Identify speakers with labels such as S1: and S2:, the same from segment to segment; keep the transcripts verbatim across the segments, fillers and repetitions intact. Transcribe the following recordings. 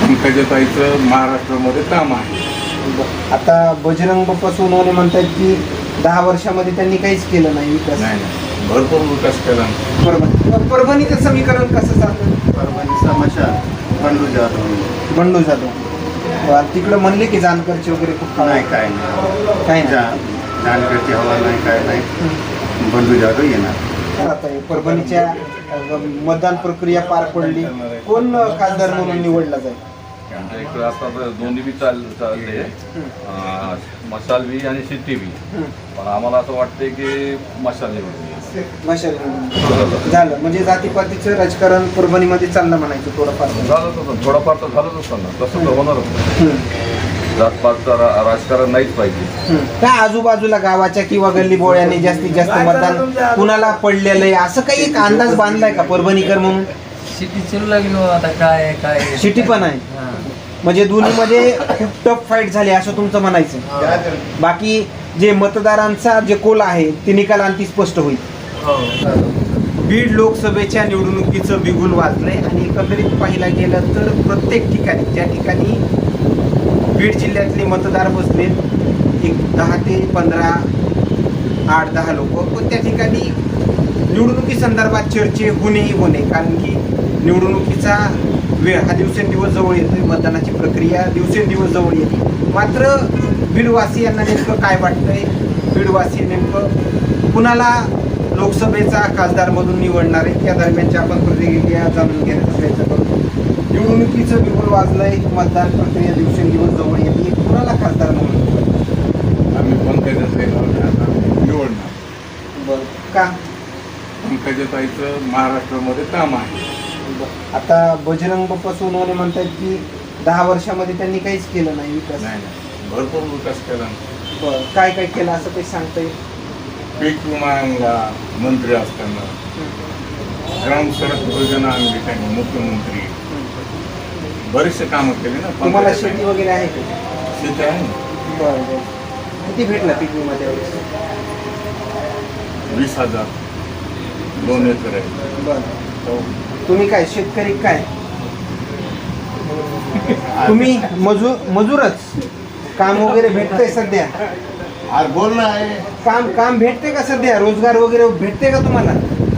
S1: पंकजाताईचं महाराष्ट्रामध्ये काम आहे.
S2: आता बजरंग बाप्पा सोनवणे म्हणतात की दहा वर्षामध्ये त्यांनी काहीच केलं नाही विकास.
S1: नाही नाही भरपूर विकास केला.
S2: परभणी परभणीचं समीकरण कसं चालतं?
S3: परभणी समस्या बंडू जाधव
S2: बंडू जाधव तिकडं म्हणले की जानकरचे वगैरे खूप
S3: नाही काय नाही
S2: काय नाही
S3: जा जानकरची हवा नाही काय नाही बंडू जाधव येणार.
S2: आता हे परभणीच्या अ, मतदान प्रक्रिया पार पडली. कोण खासदार म्हणून निवडला जाईल?
S1: आमच्या इकडे आता तर दोन्ही बी चाल चालले अं, मशाल बी आणि सिटी बी. पण आम्हाला असं वाटतंय की मशाल निवडली.
S2: मशाल निवडून. झालं म्हणजे जातीपातीचं राजकारण परभणीमध्ये चाललं म्हणायचं थोडंफार.
S1: झालंच होतं थोडंफार तर झालंच असतं ना. तसं तर होणारच. जातपातचं रा- राजकारण नाहीच पाहिजे.
S2: काय आजूबाजूला गावाच्या किंवा गल्ली बोळ्याने जास्तीत जास्त मतदान कुणाला पडलेलं आहे असं काही एक अंदाज बांधलाय का परभणीकर म्हणून?
S4: सिटी चलू लागली हो आता काय काय
S2: सिटी पण आहे
S4: हा.
S2: म्हणजे दोन्हीमध्ये खूप टफ फाईट झाली असं तुमचं म्हणायचं. बाकी जे मतदारांचा जे कोल आहे ते निकालांती स्पष्ट होईल.
S4: हो.
S2: बीड लोकसभेच्या निवडणुकीचं बिगुल वाजलंय आणि एकंदरीत पाहिला गेलं तर प्रत्येक ठिकाणी ज्या ठिकाणी बीड जिल्ह्यातले मतदार बसले एक दहा ते पंधरा आठ दहा लोक पण त्या ठिकाणी निवडणुकी संदर्भात चर्चे होणेही होणे. कारण की निवडणुकीचा वेळ हा दिवसेंदिवस जवळ येतोय. मतदानाची प्रक्रिया दिवसेंदिवस जवळ येते. मात्र बीडवासियांना नेमकं काय वाटतंय? बीडवासी नेमकं कुणाला लोकसभेचा खासदारमधून निवडणार आहे त्या दरम्यानच्या आपण प्रतिक्रिया जाणून घेण्याचा प्रयत्न करतो. निवडणुकीचं बिगुल वाजलंय. मतदान प्रक्रिया दिवसेंदिवस जवळ येते. कुणाला खासदार म्हणून
S1: आम्ही पंकजाताईला निवडणार.
S2: बरं का?
S1: पंकजाताईचं महाराष्ट्रामध्ये काम आहे.
S2: आता बजरंग बाप्पा सोनवणे म्हणतात की दहा वर्षामध्ये त्यांनी काहीच केलं नाही विकास.
S1: नाही नाही भरपूर विकास केला.
S2: बरं काय काय केलं असं काही सांगता येईल?
S1: पीक विमा आणला मंत्री असताना. ग्राम सडक योजना आणली त्यांनी मुख्यमंत्री. बरेचसे कामं केले ना.
S2: तुम्हाला शेती वगैरे आहे का?
S1: शेती आहे ना.
S2: बरं बरं किती भेटला पीक विमा त्यावेळेस?
S1: वीस हजार दोन एकर आहे.
S2: बरं तुम्ही काय शेतकरी काय? तुम्ही मजूर मजूरच? काम वगैरे भेटतंय सध्या?
S3: अरे बोल ना आहे
S2: काम काम भेटते का सध्या? रोजगार वगैरे भेटते का तुम्हाला?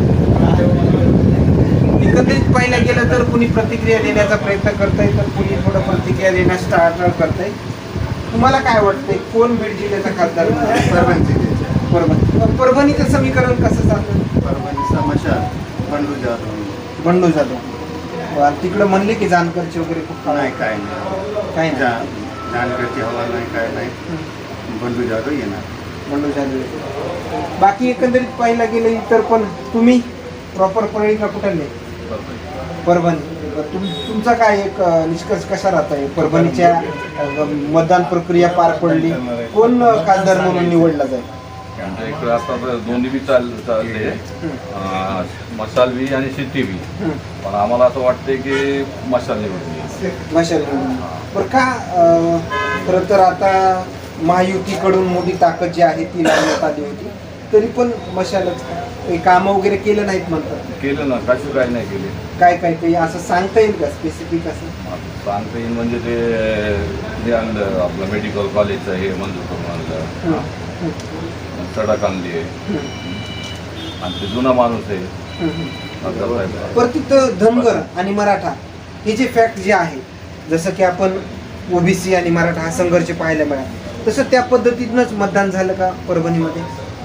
S2: एकंदरीत पाहिलं गेलं तर कुणी प्रतिक्रिया देण्याचा प्रयत्न करतंय तर कुणी थोडं प्रतिक्रिया देण्यास टाळाटाळ करतंय. तुम्हाला काय वाटतंय कोण बीड जिल्ह्याचा खासदार?
S3: परभणी
S2: परभणी परभणीचं समीकरण कसं चालतं?
S3: परभणी समस्या बंडू जाधव
S2: बंडू जाधव तिकडं म्हणले की जानकरचे वगैरे खूप
S3: नाही काय नाही
S2: काय
S3: जा
S2: नाही
S3: जानकरची हवा नाही काय नाही बंडू जाधव येणार.
S2: बंडू जाधव. बाकी एकंदरीत पाहिलं गेलं तर पण तुम्ही प्रॉपर परळीला कुठले? परभणी. तुम तुमचा काय एक अ, निष्कर्ष कसा राहत आहे? परभणीच्या अ, मतदान प्रक्रिया पार पडली. कोण अ, खासदार म्हणून निवडला जाईल?
S1: आमच्या इकडे आता तर दोन्ही बी चाल चालले अं, मशाल बी आणि सिटी बी. पण आम्हाला असं वाटतंय की मशाल निवडली.
S2: मशाल निवडून. बरं का अ, खरं तर आता महायुतीकडून मोठी ताकद जी आहे ती लावण्यात आली होती तरी पण मशालच काही कामं वगैरे केलं नाहीत म्हणतात.
S1: केलं ना कशी काय नाही केले.
S2: काय काय काही असं सांगता येईल का स्पेसिफिक असं?
S1: सांगता येईल म्हणजे ते हे आणलं आपलं मेडिकल कॉलेजचं हे मंजूर करून आणलं. सडक आणली आहे आणि ते जुना माणूस आहे.
S2: पर तिथं धनगर आणि मराठा हे जे फॅक्ट जे आहे जसं की आपण ओबीसी आणि मराठा हा संघर्ष पाहायला मिळाला तसं त्या पद्धतीनंच मतदान झालं का परभणीमध्ये?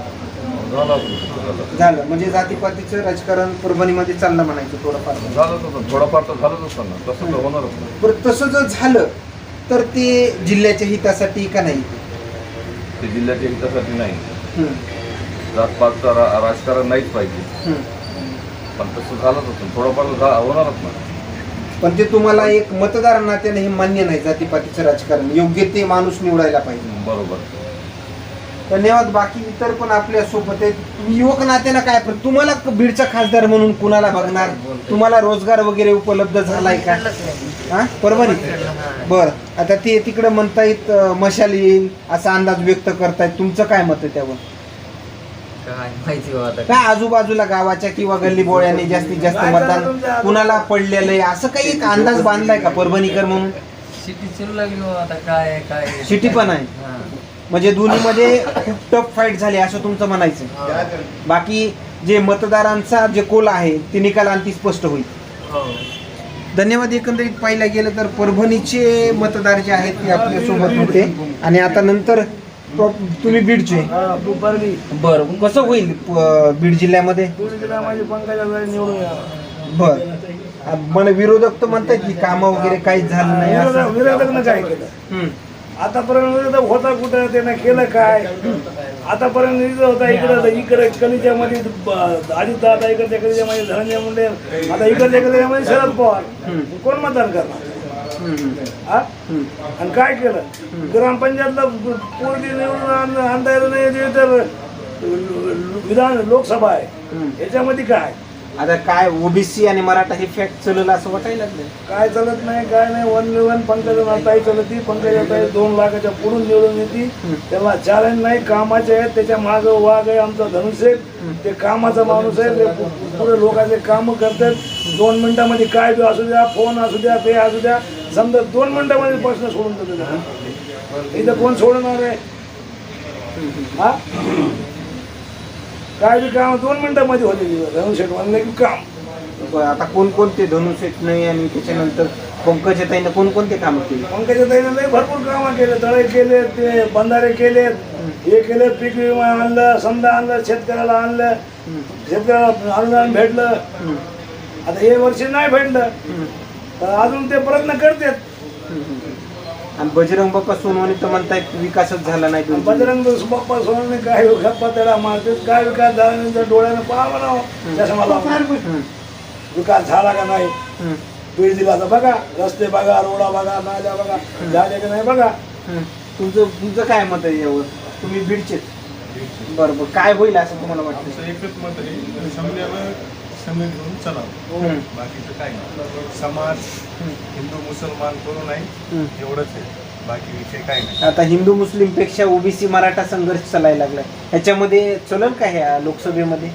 S2: झालं म्हणजे जातीपातीचं राजकारण परभणीमध्ये चाललं म्हणायचं थोडंफार.
S1: झालंच होतं थोडंफार तर झालंच असतं ना. तसं तर होणारच ना.
S2: बरं तसं जर झालं तर ते जिल्ह्याच्या हितासाठी का नाही?
S1: ते जिल्ह्याच्या हितासाठी नाही.
S2: हम्म,
S1: जातपातचं रा राजकारण नाहीच पाहिजे.
S2: हम्म.
S1: पण तसं झालंच होतं थोडंफार झा होणारच ना.
S2: पण ते तुम्हाला एक मतदार नात्याने हे मान्य नाही जातीपातीचं राजकारण योग्य ते माणूस निवडायला पाहिजे.
S1: बरोबर.
S2: धन्यवाद. बाकी इतर पण आपल्या सोबत आहेत. तुम्ही युवक नात्यानं काय पण तुम्हाला बीडचा खासदार म्हणून कुणाला बघणार? तुम्हाला रोजगार वगैरे उपलब्ध झालाय का? हा परभणी. बर आता ते तिकडं म्हणतायत अं, मशाल येईल असा अंदाज व्यक्त करतायत. तुमचं काय मत आहे त्यावर?
S4: काय माहिती हो आता
S2: काय आजूबाजूला गावाच्या किंवा गल्ली बोळ्याने जास्तीत जास्त मतदान कुणाला पडलेलं आहे असं काही एक अंदाज बांधलाय का परभणीकर म्हणून?
S4: सिटी चलू लागली हो आता काय आहे, काय आहे.
S2: सिटी पण आहे.
S4: हा.
S2: म्हणजे दोन्हीमध्ये खूप टफ फाईट झाली असं तुमचं म्हणायचं.
S4: हो.
S2: बाकी जे मतदारांचा जे कोल आहे ते निकाल आणखी स्पष्ट होईल.
S4: हो.
S2: धन्यवाद. एकंदरीत पाहायला गेलं तर परभणीचे मतदार जे आहेत ते आपल्यासोबत होते आणि आता नंतर प्रॉप- तुम्ही बीडचे. बरं, कसं होईल प- बीड जिल्ह्यामध्ये? बर, मला विरोधक तर म्हणतात की कामं वगैरे काहीच झालं नाही असं.
S5: विरोधकनं काय केलं
S2: हम्म.
S5: आतापर्यंत विरोधक होता कुठं, त्यानं केलं काय? आतापर्यंत विरोध होता इकडं इकडे कलीच्या मध्ये अजित दादा, इकडच्या कलीच्या मध्ये धनंजय मुंडे, आता इकडच्या कलीच्या मध्ये शरद पवार. कोण मतदान करणार?
S2: हम्म.
S5: हा?
S2: हम्म.
S5: आणि काय केलं? ग्रामपंचायतला पोरगी निवडून आण- आणता येत नाही ते तर विधान लोकसभा आहे.
S2: हम्म.
S5: याच्यामध्ये काय
S2: आता काय ओबीसी आणि मराठा हे फॅक्ट चालवलं असं वाटायला लागलं.
S5: काय चालत नाही, काय नाही. वन वन पंकजा ताई चालती, पंकजा ताई दोन लाखाच्या पुढून निवडून येते. त्याला चॅलेंज नाही, कामाचे आहेत. त्याच्या मागं वाघ आहे आमचा धनुष्य, ते कामाचा माणूस आहे. ते पु- पुढे लोकांचे कामं करतात. दोन मिनिटामध्ये काय बी असू द्या, फोन असू द्या, ते असू द्या, समजा दोन मिनिटामध्ये प्रश्न सोडून देतो. इथं कोण सोडणार आहे? हा, काय बी काम दोन मिनिटामध्ये होते. धनुष्य म्हणलं की काम.
S2: बरं, आता कोणकोणते धनुष्यत नाही आणि त्याच्यानंतर पंकजाताईनं कोणकोणते कामं केली?
S5: पंकजा ताईनं लई भरपूर कामं केले. तळे केले, ते बंधारे केलेत, हे केले, पीक विमा आणलं, समजा आणलं, शेतकऱ्याला आणलं, शेतकऱ्याला अनुदान भेटलं. आता हे वर्षी नाही भेटलं तर अजून ते प्रयत्न करतात.
S2: आणि बजरंग बाप्पा सोनवणे तर म्हणतायत विकासच झाला नाही दोन जिल्ह्यात.
S5: बजरंग बाप्पा सोडून काय गप्पा त्याला मारतात. काय विकास झाला नाही तर डोळ्यानं पाहावं ना चष्माला. विकास झाला का नाही
S2: हम्म.
S5: बीड जिल्ह्याचा बघा, रस्ते बघा, रोडा बघा, नाल्या बघा, झाले का नाही बघा.
S2: हम्म. तुमचं तुमचं काय मत आहे यावर? तुम्ही बीडचे. बरं बरं, काय होईल असं तुम्हाला वाटतं?
S6: आमचं एकच मत आहे, समजायला समय घेऊन चलावं.
S2: हम्म.
S6: बाकीचं काय नाही. समाज हिंदू मुसलमान करू नाही
S2: हम्म.
S6: एवढंच आहे, बाकी विषय काय नाही.
S2: आता हिंदू मुस्लिम पेक्षा ओबीसी मराठा संघर्ष चालायला लागलाय. ह्याच्यामध्ये चलन का ह्या लोकसभेमध्ये?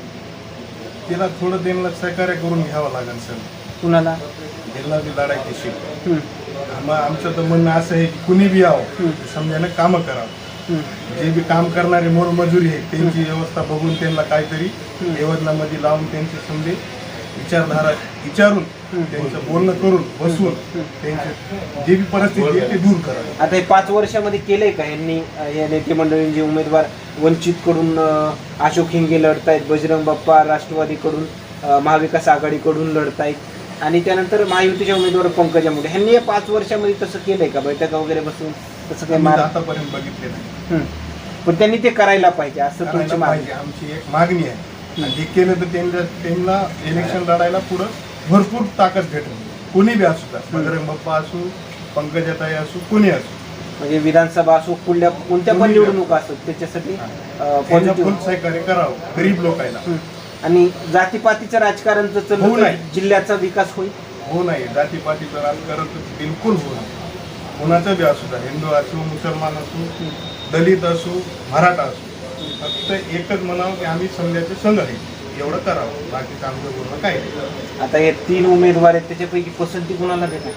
S6: तिला थोडं त्यांना सहकार्य करून घ्यावं लागेल सर.
S2: कुणाला?
S6: त्यांना बी लढायची शिक.
S2: हम्म.
S6: आम्हा आमचं तर म्हणणं असं आहे की कुणी बी यावं,
S2: हम्म.
S6: समजायला कामं करावं.
S2: हम्म.
S6: जे बी काम करणारे मोलमजुरी आहे त्यांची व्यवस्था बघून त्यांना काहीतरी योजनामध्ये लावून त्यांचे समजे विचारधारा विचारून त्यांचं बोलणं करून बसवून त्यांचे जे बी परिस्थिती आहे ते दूर करावी.
S2: आता हे पाच वर्षामध्ये केलंय का यांनी? अं, या नेते मंडळींचे उमेदवार वंचित कडून अं, अशोक हिंगे लढतायत, बजरंग बाप्पा राष्ट्रवादीकडून, अं, महाविकास आघाडीकडून लढतायत आणि त्यानंतर महायुतीचे उमेदवार पंकजा मुंडे. ह्यांनी या पाच वर्षामध्ये तसं केलंय का? बैठका वगैरे बसून तसं काही
S6: आम्ही
S2: मार?
S6: आतापर्यंत बघितले नाही.
S2: हम्म. पण त्यांनी ते करायला पाहिजे असं तुमची
S6: करायला
S2: मागणी.
S6: पाहिजे, आमची एक मागणी आहे. आणि हे केलं तर त्यांना त्यांना इलेक्शन लढायला पुढं भरपूर ताकद भेटेल. कोणी बी असू द्या, बजरंग बाप्पा असू, पंकजाताई असू, कोणी असू.
S2: म्हणजे विधानसभा असो, कुठल्या कोणत्या पण
S6: कोणी
S2: निवडणुका असतात त्याच्यासाठी अं,
S6: त्यांना
S2: positive.
S6: फुल सहकार्य करावं गरीब लोकांना.
S2: हम्म. आणि जातीपातीचं राजकारण जर
S6: होऊ
S2: चाललं तर
S6: नये.
S2: जिल्ह्याचा विकास होईल.
S6: हो नाही, जातीपातीचं राजकारण तर बिलकुल होऊ नये. कोणाचं बी असू द्या, हिंदू असू, मुसलमान असू, दलित असू, मराठा असू, फक्त एकच म्हणावं की आम्ही समजायचं संघ आहे, एवढं करावं. बाकीचं आमचं बोलणं काय नाही.
S2: आता हे तीन उमेदवार आहेत त्याच्यापैकी पसंती कुणाला देणार?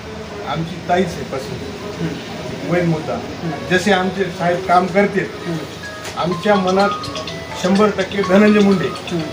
S6: आमची ताईच आहे पसंत, मेन मुद्दा. जसे आमचे साहेब काम करते, आमच्या मनात शंभर टक्के धनंजय मुंडे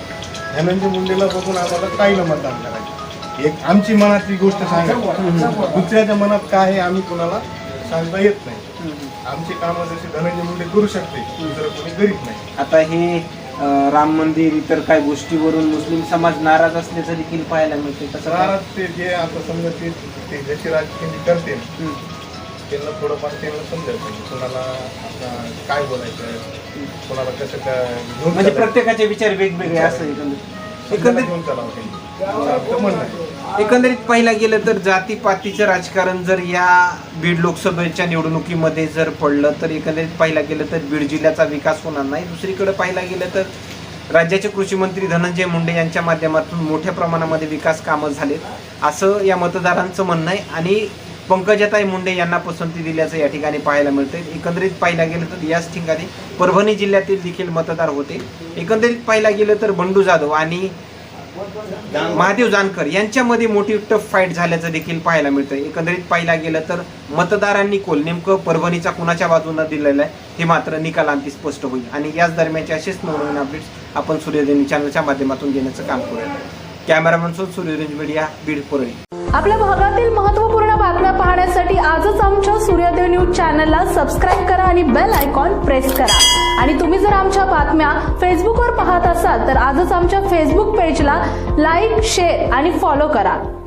S6: धनंजय मुंडेला बघून आम्हाला ताईला मतदान करायचं. एक आमची मनातली गोष्ट सांगायची, दुसऱ्याच्या मनात काय आहे आम्ही कुणाला सांगता येत नाही. आमची कामं जशी धनंजय मुंडे करू शकते, दुसरं कोणी करीत नाही.
S2: आता हे अं, राम मंदिर इतर काही गोष्टीवरून मुस्लिम समाज नाराज असल्याचं देखील पाहायला मिळते. कसं काय?
S6: शहरात ते जे आता समजा ते ते जसे राजकीय करते
S2: हम्म.
S6: त्यांना थोडंफार त्यांना समजायचं की कोणाला आता काय बोलायचं, कोणाला कसं काय घेऊन
S2: म्हणजे
S6: चालायचं.
S2: प्रत्येकाचे विचार वेगवेगळे असं एकंदरीत एकंदरीत
S6: घेऊन चालावं त्यांनी. आमचं म्हणणं आहे.
S2: एकंदरीत पाहिलं गेलं तर जातीपातीचं राजकारण जर या बीड लोकसभेच्या निवडणुकीमध्ये जर पडलं तर एकंदरीत पाहिलं गेलं तर बीड जिल्ह्याचा विकास होणार नाही. दुसरीकडे पाहिलं गेलं तर राज्याचे कृषी मंत्री धनंजय मुंडे यांच्या माध्यमातून मोठ्या प्रमाणामध्ये विकास कामं झालेत असं या मतदारांचं म्हणणं आहे. आणि पंकजाताई मुंडे यांना पसंती दिल्याचं या ठिकाणी पाहायला मिळतंय. एकंदरीत पाहायला गेलं तर याच ठिकाणी परभणी जिल्ह्यातील देखील मतदार होते. एकंदरीत पाहायला गेलं तर बंडू जाधव आणि महादेव जानकर यांच्यामध्ये मोठी टफ फाईट झाल्याचं देखील पाहायला मिळतं. एकंदरीत पाहायला गेलं तर मतदारांनी कोल नेमकं परभणीचा कुणाच्या बाजूने दिलेला आहे हे मात्र निकालांती स्पष्ट होईल. आणि याच दरम्यानचे असेच नवनवीन अपडेट्स आपण सूर्यदैनिक चॅनलच्या माध्यमातून देण्याचं काम करूया. कॅमेरामन सोबत सूर्यरेंज मीडिया, बीड, परळी.
S7: आपल्या भागातील महत्त्वपूर्ण बातम्या पाहण्यासाठी आजच आमच्या सूर्योदय न्यूज चॅनलला सबस्क्राईब करा आणि बेल आयकॉन प्रेस करा. आणि तुम्ही जर आमच्या बातम्या फेसबुकवर पाहत असाल तर आजच आमच्या फेसबुक पेजला लाईक, शेअर आणि फॉलो करा.